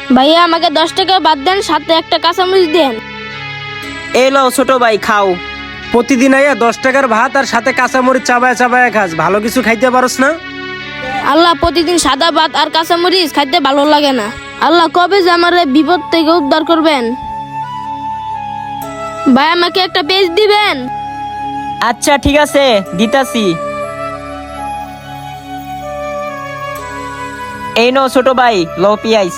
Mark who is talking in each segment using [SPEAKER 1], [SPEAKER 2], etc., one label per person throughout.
[SPEAKER 1] ভাইয়া আমাকে 10 টাকা বাদ দেন, সাথে একটা কাঁচামরিচ দেন।
[SPEAKER 2] এই লও ছোট ভাই খাও।
[SPEAKER 3] প্রতিদিন আইয়া 10 টাকার ভাত আর সাথে কাঁচামরিচ চাবায়া চাবায়া খাস, ভালো কিছু খাইতে পারস না?
[SPEAKER 1] আল্লাহ, প্রতিদিন সাদা ভাত আর কাঁচামরিচ খাইতে ভালো লাগে না। আল্লাহ কবে যে আমার এই বিপদ থেকে উদ্ধার করবেন। ভাই আমাকে একটা পেজ দিবেন?
[SPEAKER 2] আচ্ছা ঠিক আছে, দিতাছি। এই নো ছোট ভাই, লও পিয়াইস।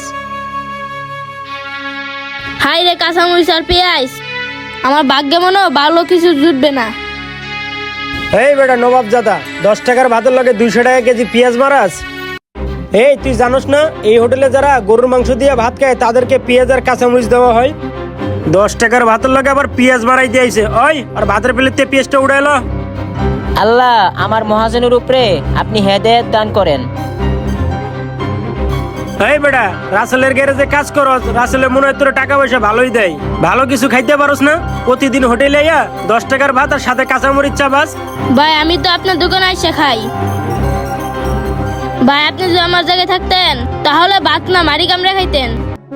[SPEAKER 1] হাই রে, কাঁচামরিচ আর পেঁয়াজ, আমার ভাগ্যে মনে হয় ভালো কিছু জুটবে না।
[SPEAKER 3] এই বেটা নবাব জাদা, 10 টাকার ভাতের লগে 200 টাকা কেজি পেঁয়াজ মারাস? এই তুই জানোস না এই হোটেলে যারা গরুর মাংস দিয়ে ভাত খায় তাদেরকে পেঁয়াজ আর কাঁচামরিচ দেওয়া হয়? 10 টাকার ভাতের লগে আবার পেঁয়াজ মারাই দিয়েছে। ওই আর ভাতের প্লেটে পেঁয়াজটা উড়াইলো।
[SPEAKER 2] আল্লাহ আমার মহাজনের উপরে আপনি হেদায়েত দান করেন।
[SPEAKER 3] এই বেটা, রাসেলের গ্যারেজে কাজ করস, রাসেলে মনে হয় তোর টাকা পয়সা ভালোই দেয়, ভালো কিছু খাইতে পারস না? প্রতিদিন হোটেলে আইয়া 10 টাকার ভাত আর সাথে কাঁচামরিচ চাবাস।
[SPEAKER 1] ভাই আমি তো আপনার দোকানে এসে খাই। ভাই আপনি যদি আমার জায়গায় থাকতেন তাহলে ভাত না মারি কামড়ে খাইতেন।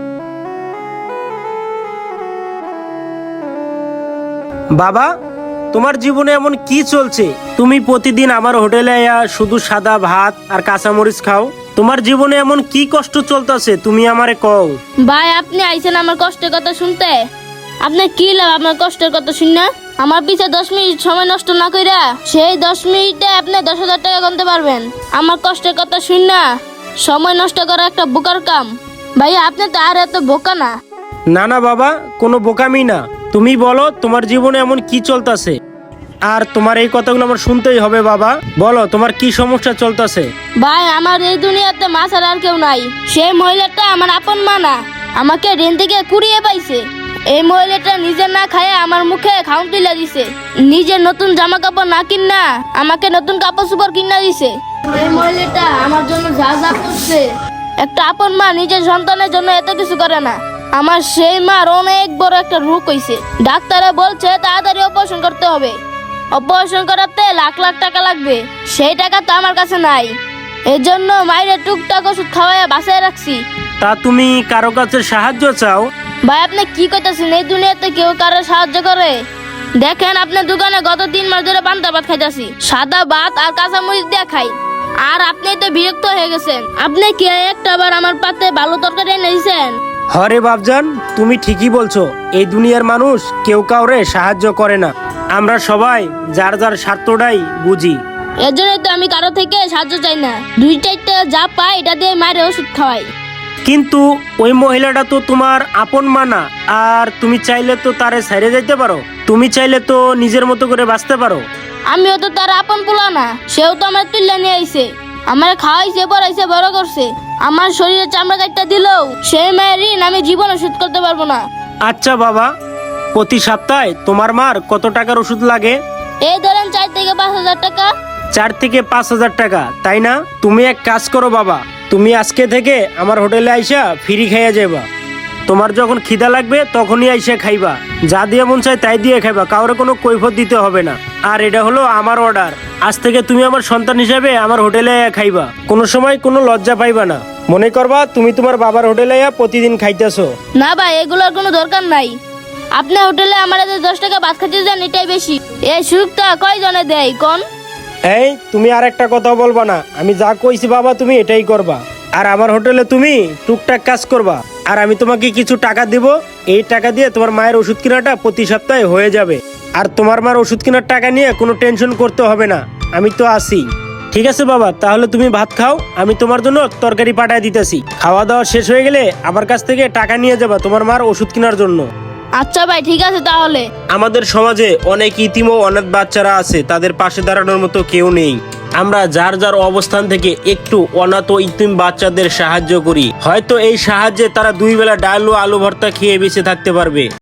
[SPEAKER 3] বাবা, তোমার জীবনে এমন কি চলছে? তুমি প্রতিদিন আমার হোটেলে আইয়া শুধু সাদা ভাত আর কাঁচামরিচ খাও। তোমার জীবনে এমন কি কষ্ট চলতেছে তুমি আমারে কও।
[SPEAKER 1] ভাই আপনি আইছেন আমার কষ্টের কথা শুনতে, আপনার কি লাভ আপনার কষ্টের কথা শুনে? আমার পিছে 10 মিনিট সময় নষ্ট না কইরা সেই 10 মিনিটে আপনি 10,000 টাকা গুনতে পারবেন। আমার কষ্টের কথা শুনে সময় নষ্ট করা একটা বোকার কাম। ভাইয়া আপনি তো আর এত বোকা না।
[SPEAKER 3] না না বাবা, কোনো বোকামি না। তুমি বলো তোমার জীবনে এমন কি চলতেছে, আর তোমার এই কথাগুলো আমার শুনতেই হবে। বাবা বলো তোমার কি সমস্যা চলতেছে।
[SPEAKER 1] ভাই আমার এই দুনিয়াতে মা ছাড়া আর কেউ নাই। সেই মহিলাটা আমার আপন মা না, আমাকে ঋণ থেকে কুড়িয়ে পাইছে। এই মহিলাটা নিজে না খায় আমার মুখে খাউন তুলে দিছে। নিজের নতুন জামা কাপড় না কিনা আমাকে নতুন কাপড় চোপড় কিনা দিছে। এই মহিলাটা আমার জন্য যা যা করছে, একটা আপন মা নিজের সন্তানের জন্য এত কিছু করে না। আমার সেই মার অনেক বড় একটা রোগ হইছে, ডাক্তারে বলছে তাড়াতাড়ি অপারেশন করতে হবে। অপারেশন করাতে লাখ লাখ টাকা লাগবে, সেই টাকা তো আমার কাছে নাই। এজন্য মায়ের টুকটাক ওষুধ খাওয়াইয়া বাঁচায় রাখছি।
[SPEAKER 3] তা তুমি কারো কাছে সাহায্য চাও?
[SPEAKER 1] ভাই আপনি কি কইতাছেন? এই দুনিয়াতে কেউ কারো সাহায্য করে? দেখেন আপনার দোকানে গত 3 মাস ধরে পান্তা ভাত খাইতাছি, সাদা ভাত আর কাঁচামরিচ দিয়ে খাই। আর আপনি তো বিরক্ত হয়ে গেছেন। আপনি কি একটাবার আমার পাতে ভালো তরকারি এনে দিয়েছেন?
[SPEAKER 3] হরে বাপজান, তুমি ঠিকই বলছো। এই দুনিয়ার মানুষ কেউ কাউরে সাহায্য করে না, আমরা সবাই যার যার স্বার্থটাই বুঝি।
[SPEAKER 1] এর জন্যই তো আমি কারো থেকে সাহায্য চাই না। 2-4টা যা পাই এটা দিয়ে মায়ের ওষুধ খাওয়াই।
[SPEAKER 3] কিন্তু ওই মহিলাটা তো তোমার আপন মা না, আর তুমি চাইলে তো তারে ছেড়ে যাইতে পারো। তুমি চাইলে তো নিজের মতো করে বাঁচতে পারো।
[SPEAKER 1] আমিও তো তার আপন পোলা না, সেও তো আমার তুল্লা নিয়ে আইছে, আমার খাওয়াইছে, পড়াইছে, বড় করছে। আমার শরীরে চামড়া কাটটা দিলেও সেই মায়ের ঋণ আমি জীবনে শোধ করতে পারবো না।
[SPEAKER 3] আচ্ছা বাবা, প্রতি সপ্তাহে তোমার মার কত টাকার ওষুধ লাগে?
[SPEAKER 1] এই ধরেন 4 থেকে 5,000 টাকা।
[SPEAKER 3] 4 থেকে 5,000 টাকা, তাই না? তুমি এক কাজ করো বাবা, তুমি আজকে থেকে আমার হোটেলে আইসা ফ্রি খাইয়া যাবা। তোমার যখন খিদা লাগবে তখনই আইসা খাইবা, যা দিয়ে মন চায় তাই দিয়ে খাইবা, কাউরে কোনো কৈফত দিতে হবে না। আর এটা হলো আমার অর্ডার, আজ থেকে তুমি আমার সন্তান হিসেবে আমার হোটেলে আইয়া খাইবা, কোনো সময় কোনো লজ্জা পাইবা না। মনে করবা তুমি তোমার বাবার হোটেলে আইয়া প্রতিদিন খাইতেছো।
[SPEAKER 1] না ভাই, এগুলোর কোনো দরকার নাই। আপনি হোটেলে আমার 10 টাকা ভাত খাইতে যান, এটাই বেশি। এই সুযোগটা কয়জনে দেয় কোন?
[SPEAKER 3] এই তুমি আর একটা কথা বলবা না, আমি যা কইছি বাবা তুমি এটাই করবা। আর আমার হোটেলে তুমি টুকটাক কাজ করবা, আর আমি তোমাকে কিছু টাকা দিব। এই টাকা দিয়ে তোমার মায়ের ওষুধ কেনাটা প্রতি সপ্তাহে হয়ে যাবে। আর তোমার মার ওষুধ কেনার টাকা নিয়ে কোনো টেনশন করতে হবে না, আমি তো আছি। ঠিক আছে বাবা, তাহলে তুমি ভাত খাও, আমি তোমার জন্য তরকারি পাঠায় দিতেছি। খাওয়া দাওয়া শেষ হয়ে গেলে আমার কাছ থেকে টাকা নিয়ে যাবা তোমার মার ওষুধ কেনার জন্য।
[SPEAKER 1] আচ্ছা ভাই, ঠিক আছে তাহলে।
[SPEAKER 3] আমাদের সমাজে অনেক ইতিম ও অনাথ বাচ্চারা আছে, তাদের পাশে দাঁড়ানোর মতো কেউ নেই। আমরা যার যার অবস্থান থেকে একটু অনাথ ও ইতিম বাচ্চাদের সাহায্য করি, হয়তো এই সাহায্যে তারা 2 বেলা ডাল ও আলু ভর্তা খেয়ে বেঁচে থাকতে পারবে।